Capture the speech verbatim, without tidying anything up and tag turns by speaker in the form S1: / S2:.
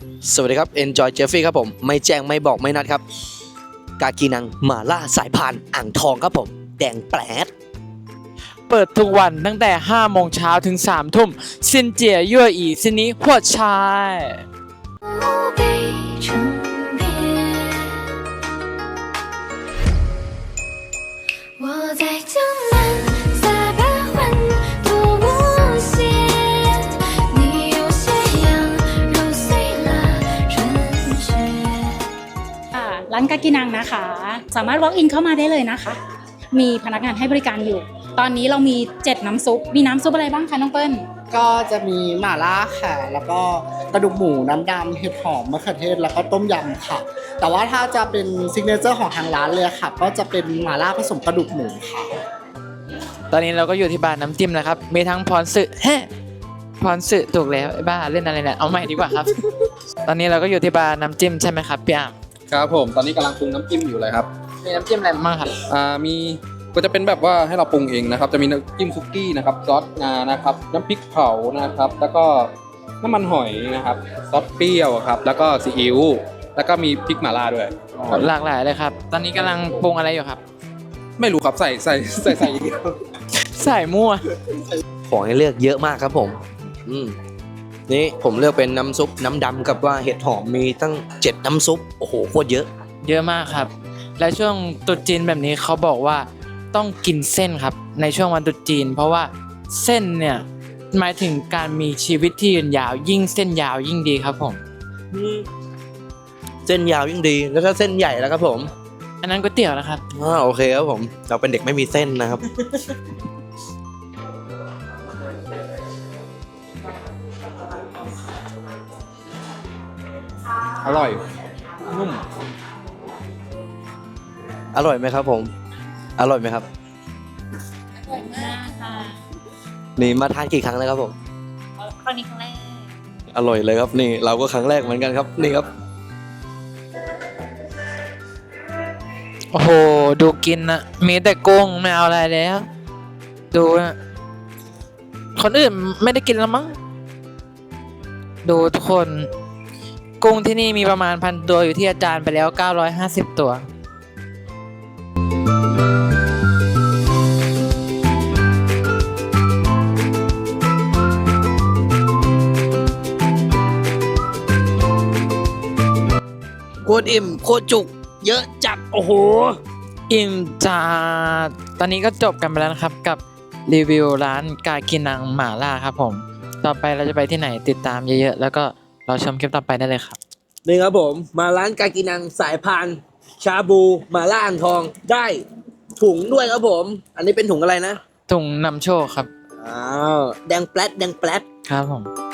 S1: สวัสดีครับ Enjoy Jeffrey ครับผมไม่แจ้งไม่บอกไม่นัดครับกากีนังหม่าล่าสายพานอ่างทองครับผมแดงแปลด
S2: เปิดทุกวันตั้งแต่ห้าโมงเช้าถึงสามทุ่มซินเจียยั่วอีซินี้หัวชาย
S3: ร้านกากินังนะคะสามารถ walk in เข้ามาได้เลยนะคะมีพนักงานให้บริการอยู่ตอนนี้เรามีเจ็ดน้ำซุปมีน้ำซุปอะไรบ้างคะน้องเปิ้ล
S4: ก็จะมีหม่าล่าค่ะแล้วก็กระดูกหมูน้ำดำเห็ดหอมมะเขือเทศแล้วก็ต้มยำค่ะแต่ว่าถ้าจะเป็นซิกเนเจอร์ของทางร้านเลยค่ะก็จะเป็นหม่าล่าผสมกระดูกหมูค่ะ
S2: ตอนนี้เราก็อยู่ที่บาร์น้ำจิ้มนะครับมีทั้งพรสึแฮะพรสึถูกแล้วไอ้บ้าเล่นอะไรเนี่ยเอาใหม่ดีกว่าครับ ตอนนี้เราก็อยู่ที่บาร์น้ำจิ้มใช่ไหมครับพี่อ่าง
S5: ครับผมตอนนี้กำลังปรุงน้ำจิ้มอยู่เลยครับ
S2: มีน้ำจิ้มอะไรบ้างครับ
S5: อ่ามีก็จะเป็นแบบว่าให้เราปรุงเองนะครับจะมีน้ำจิ้มซุกี้นะครับซอสงานะครับน้ำพริกเผานะครับแล้วก็น้ำมันหอยนะครับซอสเปรี้ยวครับแล้วก็ซีอิ๊วแล้วก็มีพริกหม่าล่าด้วย
S2: หลากหลายเลยครับตอนนี้กำลังปรุงอะไรอยู่ครับ
S5: ไม่รู้ครับใส่ใส่ใส่ใส่อย่างเดียว
S2: ใส่มั่ว
S1: ของให้เลือกเยอะมากครับผมอืมนี่ผมเลือกเป็นน้ำซุปน้ำดำกับว่าเห็ดหอมมีตั้งเจ็ดน้ำซุปโอ้โหโคตรเยอะ
S2: เยอะมากครับและช่วงตรุษจีนแบบนี้เขาบอกว่าต้องกินเส้นครับในช่วงวันตรุษจีนเพราะว่าเส้นเนี่ยหมายถึงการมีชีวิตที่ยืนยาวยิ่งเส้นยาวยิ่งดีครับผม
S1: เส้นยาวยิ่งดีแล้วก็เส้นใหญ่แล้วครับผม
S2: อันนั้นก๋วยเตี๋ยวนะครับ
S1: อ่าโอเคครับผมเราเป็นเด็กไม่มีเส้นนะครับ
S5: อร่อยนุ่ม
S1: อร่อยไหมครับผมอร่อยไหมครับ
S3: อร่อยมากค่ะ
S1: นี่มาทานกี่ครั้งแล้วครับผม
S3: ครั้งนี้ครั้งแรก
S1: อร่อยเลยครับนี่เราก็ครั้งแรกเหมือนกันครับนี่ครับ
S2: โอ้โหดูกินนะมีแต่กุ้งไม่เอาอะไรแล้วดูนะคนอื่นไม่ได้กินแล้วมั้งดูทุกคนกุ้งที่นี่มีประมาณพันตัวอยู่ที่อาจารย์ไปแล้วเก้าร้อยห้าสิบตัว
S1: โคตรอิ่มโคตรจุกเยอะจัดโอ้โห
S2: อิ่มจ้าตอนนี้ก็จบกันไปแล้วนะครับกับรีวิวร้านกากินังหม่าล่าครับผมต่อไปเราจะไปที่ไหนติดตามเยอะๆแล้วก็เราชมคลิปต่อไปได้เลยครับ
S1: นี่ครับผมมาร้านกากินังสายพานชาบูหม่าล่าอ่างทองได้ถุงด้วยครับผมอันนี้เป็นถุงอะไรนะ
S2: ถุงนำโชคครับ
S1: อ้าวแดงแปลดแดงแปลด
S2: ครับผม